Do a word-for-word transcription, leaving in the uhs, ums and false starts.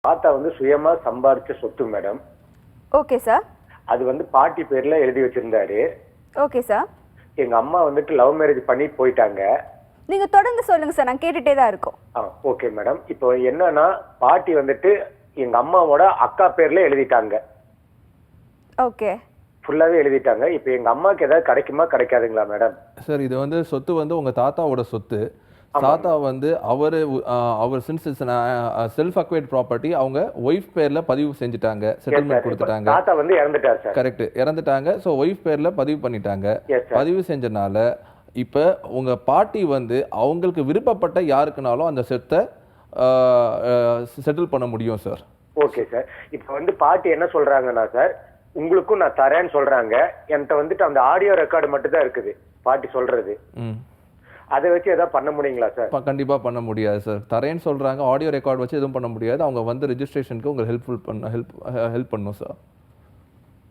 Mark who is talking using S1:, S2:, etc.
S1: தாத்தா வந்து சுயமா சம்பாரிச்ச சொத்து மேடம்.
S2: Okay sir.
S1: அது வந்து பாட்டி பேர்ல எழுதி வச்சிருந்தாரு.
S2: Okay sir.
S1: எங்க அம்மா வந்துட்டு லவ் மேரேஜ் பண்ணி போயிட்டாங்க.
S2: நீங்க தொடர்ந்து சொல்லுங்க சார், நான் கேட்டுட்டே தான் இருக்கோம்.
S1: ஆ ஓகே மேடம். இப்போ என்னன்னா பாட்டி வந்துட்டு எங்க அம்மாவோட அக்கா பேர்ல எழுதிட்டாங்க.
S2: ஓகே.
S3: ஃபுல்லாவே எழுதிட்டாங்க. இப்போ எங்க அம்மாக்கு ஏதாவது கிடைக்குமா கிடைக்காதுங்களா மேடம்?
S4: சார் இது வந்து சொத்து வந்து உங்க தாத்தாவோட சொத்து. தாத்தா வந்து அவர் அவர் சின்ஸ் செல்ஃப் அக்வைர்ட் ப்ராப்பர்ட்டி அவங்க ஒய்ஃப் பேர்ல பதிவு செஞ்சுட்டாங்க, செட்டில்மெண்ட் கொடுத்துட்டாங்க.
S3: தாத்தா வந்து இறந்துட்டார் சார்.
S4: கரெக்ட், இறந்துட்டாங்க. ஸோ ஒய்ஃப் பேர்ல பதிவு பண்ணிட்டாங்க. பதிவு செஞ்சனால இப்போ உங்க பாட்டி வந்து அவங்களுக்கு விருப்பப்பட்ட யாருக்குனாலும் அந்த சொத்தை செட்டில் பண்ண முடியும் சார்.
S3: Okay sir. இப்போ வந்து பாட்டி என்ன சொல்றாங்கன்னா சார், உங்களுக்கும் நான் தரேன்னு சொல்றாங்க. என்கிட்ட வந்துட்டு அந்த ஆடியோ ரெக்கார்டு மட்டும் தான் இருக்குது பாட்டி சொல்றது. அதை வச்சு எதாவது பண்ண முடியுங்களா சார்?
S4: கண்டிப்பா பண்ண முடியாது சார். தரேன்னு சொல்றாங்க, ஆடியோ ரெக்கார்டு வச்சு எதுவும் பண்ண முடியாது. அவங்க வந்து ரெஜிஸ்ட்ரேஷனுக்கு உங்களுக்கு ஹெல்ப்ஃபுல் பண்ண ஹெல்ப் ஹெல்ப் பண்ணும் சார்.